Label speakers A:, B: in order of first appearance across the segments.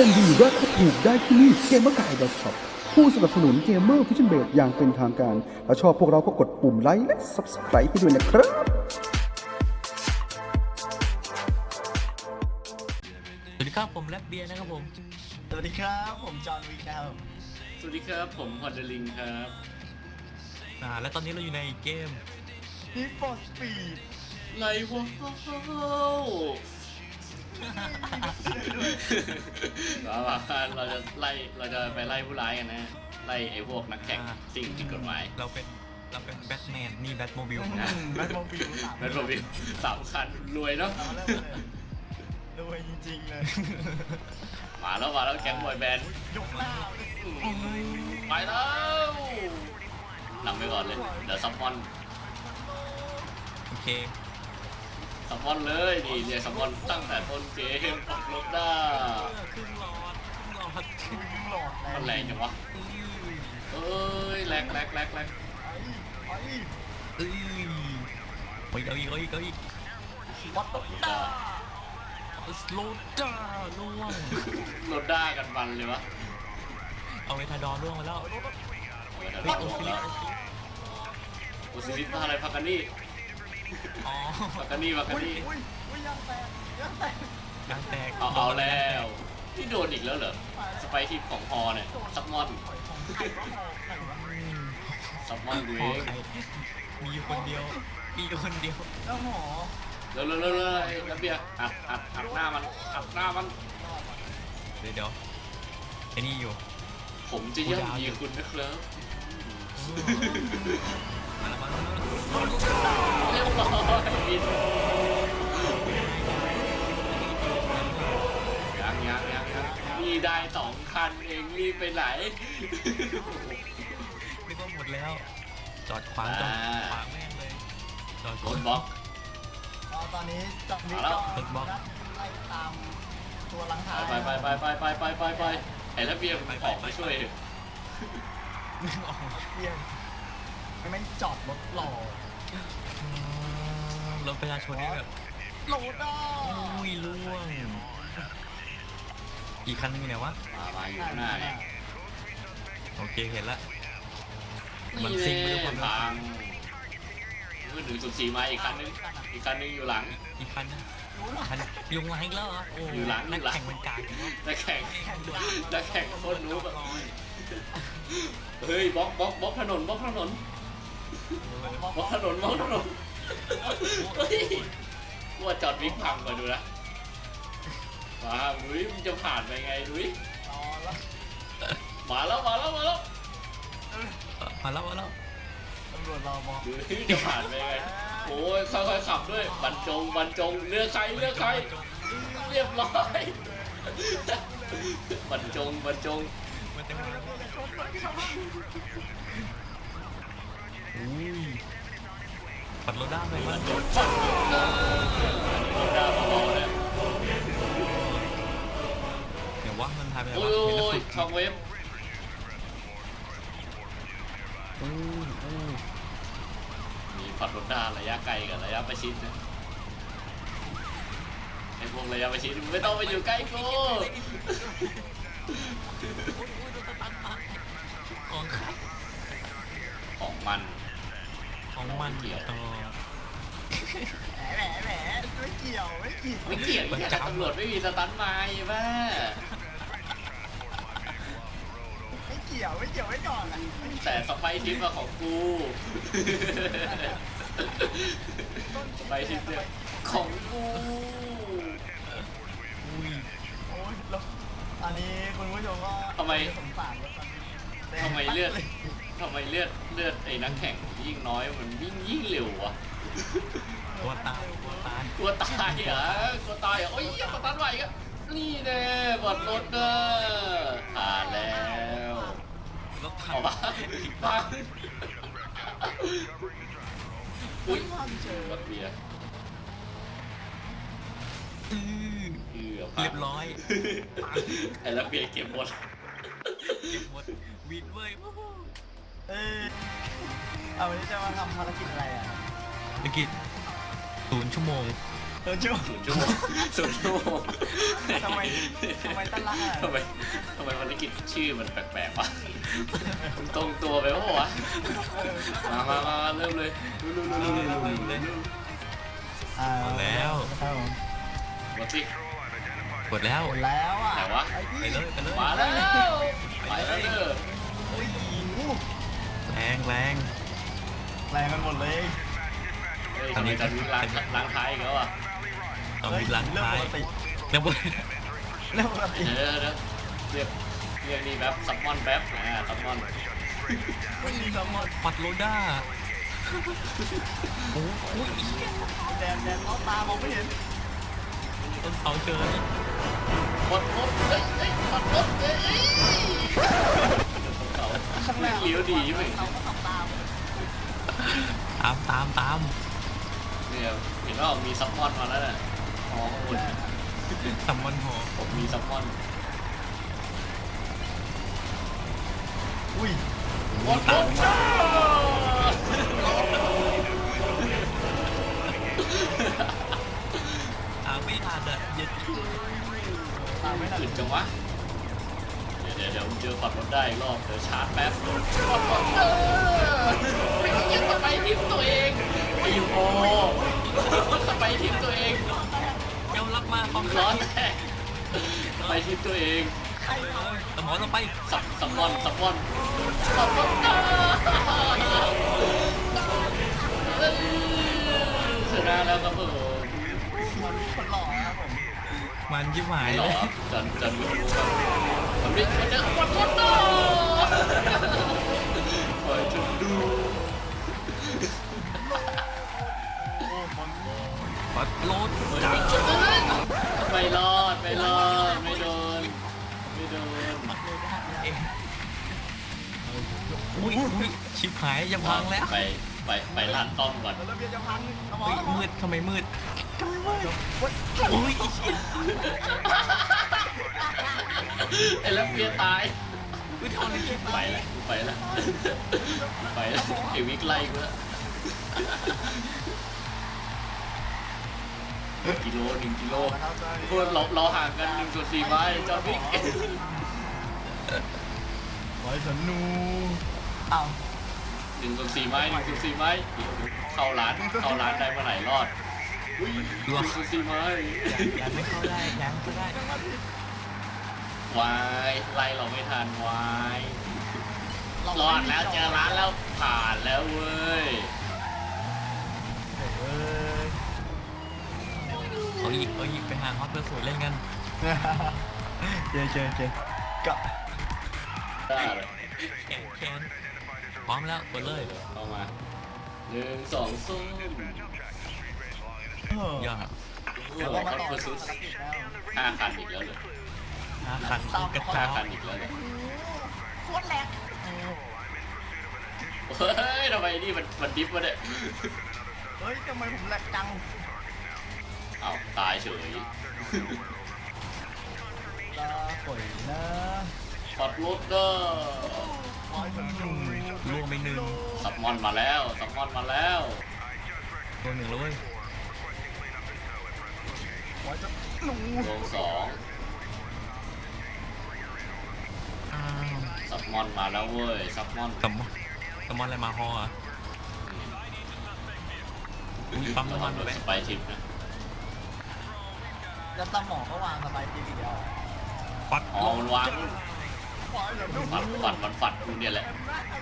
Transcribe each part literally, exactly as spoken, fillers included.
A: มดีราคาถูกได้ที่นี่เกมเมอร์กาย .ช็อป ผู้สนับสนุนเกมเมอร์ฟิชเชนเบดอย่างเป็นทางการถ้าชอบพวกเราก็กดปุ่มไลค์และ ซับสไครบ์ ให้ด้วยนะครับ
B: สวัสดีครับผมแรปเบียร์นะครับผม
C: สวัสดีครับผมจอห์นวิกนะครับ
D: สวัสดีครับผมพอดเดลิงครับ
B: อ่าและตอนนี้เราอยู่ในเกม
C: Need for Speed
D: ไล่ว้าวมาว่าเราจะไล่เราจะไปไล่ผู้ร้ายกันนะไล่ไอ้พวกนักแข่งสิ่งผิดกฎหมาย
B: เราเป็นเราเป็นแบทแมนนี่แบทโมบิล
C: นะแบทโมบิลสาม
D: แบทโมบิลสามคันรวยเนาะ
C: เอาเริ่มเลยรวยจริงๆเลย
D: มาแล้วมาแล้วแก๊งบอยแบนด์
C: ยกหน้าเลย
D: ไปแล้วนำไปก่อนเลยเดี๋ยวซัมมอน
B: โอเค
D: ซัมมอนเลยนี่เรียกซัมมอนตั้งแต่ต้นเกมปักลบด้า
B: ครึ่งหลอดครึ่งหลอด
C: คือหลอด
D: มันแรงจังวะเอ้ยแรงแรงแรงแรง
C: ไอ้ไอ้
B: เอ้ยไปเอาอีกเอาอีกเอาอีก
C: วัดตกตา
B: สโลด้าล่วง
D: โรด้ากันมันเลยวะ
B: เอาเวทาดอร์ล่วงมาแล้ว
D: เฮ้
B: เฮ้
D: ย
B: ย
D: โอ
B: โอ
D: ซิ
B: ซิ
D: ลิ
B: ลิ
D: ส
B: ส
D: โอซิลิสมาอะไรพักกันนี่
B: อ๋อ
D: พักกันนี่พักกัน
C: อุ้ย
D: นี่
C: อุ้ยอุ้ยยังแตกยังแตก
B: กางแตก
D: เอาเอาแล้วที่โดนอีกแล้วเหรอสไปทิปของฮอเนี่ยซับมอน
C: ของใครวะของใครวะ
D: ซับมอนดู
B: พ
D: เอ
B: อง ใครมีอยู่คนเดียวมีอยู่คนเดียว
C: แล้วหมอ
D: เร็วเร็วเร็วเร็วแล้วเบียร์อัดอัดอัดหน้ามันอัดหน้ามัน
B: เดี๋ยวเดี๋ยวไอ้นี่อยู่
D: ผมจะย่ำยีคุณนะครับ
B: มาแล้วมาแล้ว
D: เรียบร้อยบินยังยังยังยังนี่ได้สองคันเองรีบไปไหน
B: นึกว่าหมดแล้ว จอดขวางจอดขวางแม่งเลยจอด
D: รถบล็อก
C: อ๋อตอนนี้จอห์นวิก
D: มาแล้ว
C: ก็ไล่ตามตัวหลังท้าย
D: ไปไปไปไปไปไปไปไปไอ้ระเบียบมันออกมาช่วย
B: นึกออก
C: เบียงไม่งจอดรถหล่อ
B: รถประชาชนนี่แบบ
C: โหลดอ่ะ
B: อุ้ยล่วงอีกคันนึงอยู่ไหนวะ
D: มามาอยู่ข้างหน้าเนี่ย
B: โอเคเห็นละ มัน
D: นี่
B: ซิ่ง
D: เล
B: ไปด้วย
D: ย
B: ความเร็ว
D: พังมือหนึ่งสุดสี่มาอีกคันนึงอีกคันนึงอยู่หลัง
B: อีกคันนึงคันยุงหลังอีกแล้วเหรอโอ้
D: อยู่หลัง
B: นัก
D: อยู่หลัง
B: แข่งมันกากจังวะ
D: นักแข่ง
B: แข่งด่วน
D: นักแข่งโคตรรู้แบบเฮ้ยบล็อกบล็อกบล็อกถนนบล็อกถนนบล็อกถนนบล็อกถนนเฮ้ยกลัวจอดวิกพังมาดูนะมาดุยมึงจะผ่านไปไงดุย
C: รอแล้ว
D: มาแล้วมาแล้วมาแล้ว
B: มาแล้วมาแล้ว
C: ตำรวจรอมอง
D: ดุยจะผ่านไปไงโอ้ยค่อยๆขับด้วยบรรจงบรรจงเลือกใครเลือกใครเรียบร้อยบรรจงบรรจง
B: มันเต็มเลยอุ้ยปัดรถด้าไปมั้ย
D: ฟันโดนด่าเบาๆเลย
B: เดี๋ยวว่ามันทายไปไหน
D: โอ้
B: วะเห็นแล้ว
D: ย
B: สุด
D: ช่องเว็บ
B: อู้อู้
D: มีฝัดรถด่าระยะไกลกับระยะประชิดนะไอ้พวกระยะประชิดไม่ต้องไปอยู่ใกล้กู
B: ของใคร
D: ของมัน
B: ของมันเกี่ยวต่อ
C: แหมแหมไม่เกี่ยวไม่เกี่ยว
D: ไม่เกี่ยงแค่ตำรวจไม่มีสตันไม้บ้า
C: ไม่เกี่ยวไม่เกี่ยวไว้ก่อนอ่ะ
D: แต่สไปทิปมาของกูสไปทิปเนี่ยของกู
B: อุ้ย
C: โอ้ยแล้วอันนี้คุณผู้ชมก็สงสารแล้วกัน
D: ทำไมเลือดทำไมเลือดเลือดไอ้นักแข่งยิ่งน้อยมันยิ่งยิ่งเร็ววะ
B: ตัวตายตัวตาย
D: กลัวตายเหรอกลัวตายเหรอโอ้ยสตันไหวกันนี่แน่บอดรถเด้อผ่านแล้ว
B: รถถั
D: เอา
B: ง
D: บ้าบ้าอุ้ย
C: ความเจอ
D: รถเบียร์
B: อื้อ
D: เกือบ
B: เรียบร้อย
D: ไอ้รถเบียร์เก็บหมด
B: เก็บหมดวินเว้ยวู้ฮู้
C: เออเอาวันนี้จะมาทำภารกิจอะไรอ่ะ
B: ธุรกิจศูนย์ชั่วโมง
C: เออจู
D: ศูนย์ชั่วโมงศูนย์ชั่วโมง
C: ทำไมทำไมตั้งรักอ่ะ
D: ทำไมทำไมภารกิจชื่อมันแปลกๆวะมันตรงตัวไปปะวะมามามาเริ่มเลยเร็วๆๆๆๆ
C: อ่า
B: หมดแล้ว
C: ครับผม
D: หมดสิ
B: กดแล้ว
C: หมดแล้วอ่ะ
D: ไหนวะ
B: ไปเลยไปเลย
D: มาแล้วไปแล้วเด้อ
C: โอ้ยหู
B: แรงแรง
C: แรงกันหมดเลย
D: เฮ้ยทำไมจะล้างล้างท้ายอีกแล้วอ่ะ
B: ต้องมีล้าง
C: เรื่อง
B: ท้า
C: ป
B: ย
C: กติ
B: เรียกว่า
C: เรื่องปกติ
D: เดี๋ยวเดี๋ยวเรียกเรียกนี่แป๊บซัมมอนแป๊บอ่าซัมมอน
C: ไม่มีสมอง
B: ปัดโลด้าโอ้โห
C: แดนแดนเขาตามองไม่เห็น
B: ต้นเสาเจอ
D: กดกดเฮ้ยเฮ้ยกดกดเฮ้ยเขา
C: ข้างหน้า
D: เลี้ยวดีไหม
C: เขาก็ทำตาม
B: ตามตามตาม
D: เนี่ยเห็นว่ามีซัมมอนมาแล้วน่ะอ๋อคุณ
B: สัมมันหอ
D: ผมมีซัมมอน
C: อุ้ย
D: กดกดจ้า
B: ตามไม่ทันอ่ะเย็ด
C: ตามไม่ทัน
D: ขึ้นจังวะเดี๋ยวเดี๋ยวเจอฝัดรถได้อีกรอบเดี๋ยวชาร์จแป๊บกดกดเออไม่ใช่ยังสไปทิปตัวเองไอ้โอ้สไปทิปตัวเอง
B: ยอมรับมาความ
D: ร้อนแน่สไปทิปตัวเอง
B: สมองเราไป
D: สับสับมอนสับมอนสับมอนชนะแล้วครับผม
C: คนคนหล่อครับผม
B: มันยิ้มหาย
D: หร
B: เล
D: อย จันจันวิวครับผมนี่มันจะกดกดต่อคอยจนดู
C: โอ้มัน
B: ปัดโลด
D: ไม่รอดไม่รอดไม่โดนไม่โดน
B: เองอุ้ยอุ้ยชิบหายยังพังแล้ว
D: ไปไปไปลาดต้อมก่อน
C: แล้วเบียร์จะพังสมอ
B: เฮ้ย
C: ง
B: มืดทำไมมืดอุ้ย
D: ไอ้แล้วเพียตาย
B: อุ้ยทอนเลยคิด
D: ไปแล้วไปแล้วไปแล้วไอ้วิกไล่กูแล้วกิโลหนึ่งกิโลพวกเราเราห่างกันหนึ่งส่วนสี่ไม้จอวิก
C: ไว้สนูอ้าว
D: หนึ่งส่วนสี่ไม้หนึ่งส่วนสี่ไม้เข้าร้านเข้าร้านได้เมื่อไหร่รอดอุ้ยหนึ่งส่วนสี่ไม้
B: ยังไม่เข้าได้ยังก็ได้
D: วายไล่เราไม่ทันวายรอดแล้วเจอร้านแล้วผ่านแล้วเว้ย
C: เอ้ย
B: เอาอีกเอาอีกไปหาฮอตเพื่อสวยเล่นกัน
C: เจเจเจก็
D: ได้เลย
B: แขนแขนพร้อมแล้วกดเลย
D: เข้ามาหนึ่งสองส้ม
B: ยอด
D: เดี๋ยวเราก็คือซื้อห้าคันอีกแล้วเลย
B: หาคันกระจา
D: ห้าย คันอีกแล้วเลย
C: โคตรแรง
D: เฮ้ยทำไมนี่มันมันดิฟวะเนี่ย
C: เฮ้ยทำไมผมแหลกจัง
D: เอาตายเฉย
C: ลาป่อยนะ
D: ขับรถเด้อ
C: ไว้สนู
B: ล่วงไปหนึ่ง
D: ซับมอนมาแล้วซับมอนมาแล้ว
B: ตัวหนึ่งแล้วเว้ย
C: ไว้สนู
D: ลงสอง
B: อ้าว
D: ซับมอนมาแล้วเว้ยซับมอน
B: สมอนสมอนอะไรมาฮออ่ะมีปั๊มน้ำมัน
D: โด
B: ด้วย
D: น
B: ไหม
D: สไปทิปนะ
C: แล้วตาหมอก็วางสบายทีเดียว
B: ปัด
D: อ๋อมันวาง
C: ไว้สนู
D: ฝัดฝัดมันฝัดกูเนี่ยแหละ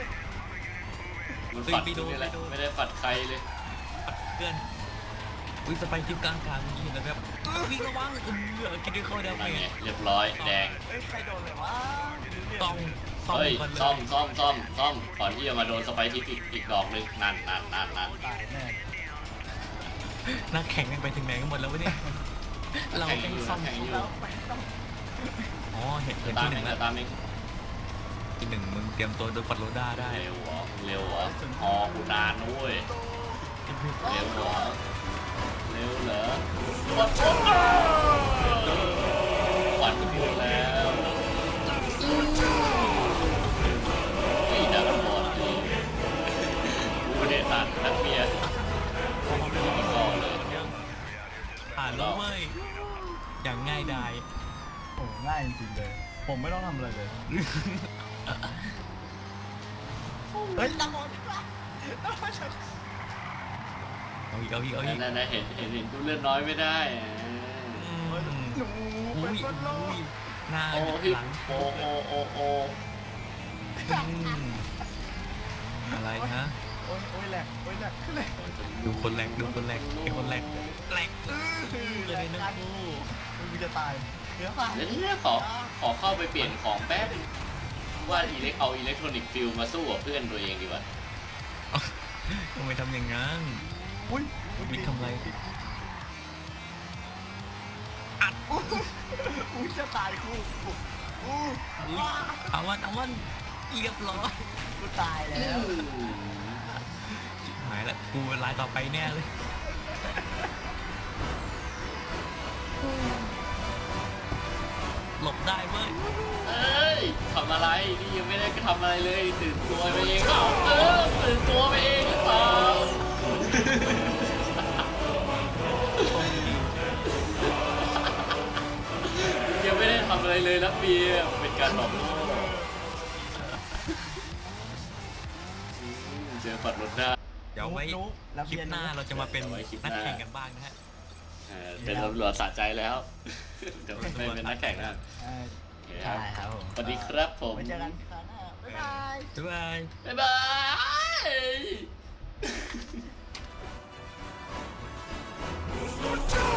D: มันฝัดกูเนี่ยแหละไม่ได้ฝัดใครเลย
B: ปัดเพื่อนอุ้ยสไปทิปกลางกลางยิงแล้วแบบวิ่งระวังเออคิดดูเข้าได้
D: นั่น
B: ไง
D: ไงเรียบร้อยแดง
C: เฮ้ยใครโดนเลยวะ
B: ต้องซ่อม
D: เฮ้ย
B: ก่อนเลย
D: ซ่อมซ่อมซ่อมซ่อมก่อนที่จะมาโดนสไปทิปอีกอีกดอกหนึ่งนั่นนั่นนั่นนั่น
C: ตายแน่
B: นักแข่งกันไปถึงไหนกันหมดแล้ววะเนี่ยเรา
D: แข่ง
B: แข่ง
D: อยู่
B: ซ่อม
D: แข่งอยู่
C: แล้วไปต้อง
B: อ๋อเห็นเห็น
D: ตาม
B: ที่ห
D: เอ
B: นึ่
D: ง
B: งแล้ว
D: ตามเอง
B: ที่หนึ่งมึงเตรียมตัวโดนฟัดโรด้าได้
D: เร็วเหรอเร็วเหรออ๋อกูนานนุ้ยเร็วเหรอเร็วเหรอปัดปุ๊บปัดกูแล้วนี่ดักบอลนี่กูเนี่ยสัตว์นักเบียร์กูไม่มีข้อเลย
B: ไป
C: ผมไม่ต้องทำอะไรเลยเฮ้ยตะโกนตะโกน
B: เอาอีกเอาอีกเอาอีก
D: นั่นนะเห็นเห็นเห็นดูเลือดน้อยไม่ได้อ่ะ
B: อืม
C: หนู
B: อุ้
C: เป็น
B: ย
C: คนโล
B: อุ้
C: ก
B: ยหน้า
D: โอ้พี่
B: หลัง
D: โอ้โอ้โอ้โอ้
B: อืมอะไรนะ
C: โอ้ยโอ้ยแหลกโอ้ยแหลกขึ้นเลย
B: ดูคนแรกดูคนแรกไอ้คนแรกแรก เลยนะกู
C: มึงจะตายเนื้อปลา
D: เดี๋ยวนี้ขอขอเข้าไปเปลี่ยนของแป๊บว่าอิเล็กเอาอิเล็กทรอนิกส์ฟิลมาสู้กับเพื่อนตัวเองดีกว่า
B: ทำไมทำอย่างนั้น
C: อุ้ย
B: วิทย์ทำอะไร
C: อุ้ยจะตายคู่อู้
B: อุ้ยเอาวันเอาวันเรียบร้อย
C: กูตายแล้ว
B: หายละกูเป็นรายต่อไปแน่เลยหลบได้เว้ย
D: เอ้ยทำอะไรนี่ยังไม่ได้ทำอะไรเลยตื่นตัวไปเองเปล่าเออตื่นตัวไปเองหรือเปล่ายังไม่ได้ทำอะไรเลยนะเบียร์เป็นการตอบโต้เจอปัดรถได้
B: เดี๋ยวไว้คลิปหน้าเราจะมาเป็นนักแข่งกันบ้างนะฮะ
D: เออเป็นตำรวจสะใจแล้วเดี๋ยวไม่เป็นนักแข่งนะ
C: เออ
D: โอเคค
C: ใช่
D: รับ
C: ครับผม
D: สวัสดีครับผม
C: ไว้เจอกันครั้งหน้าบ๊ายบาย
B: บ๊ายบาย
D: บ๊ายบาย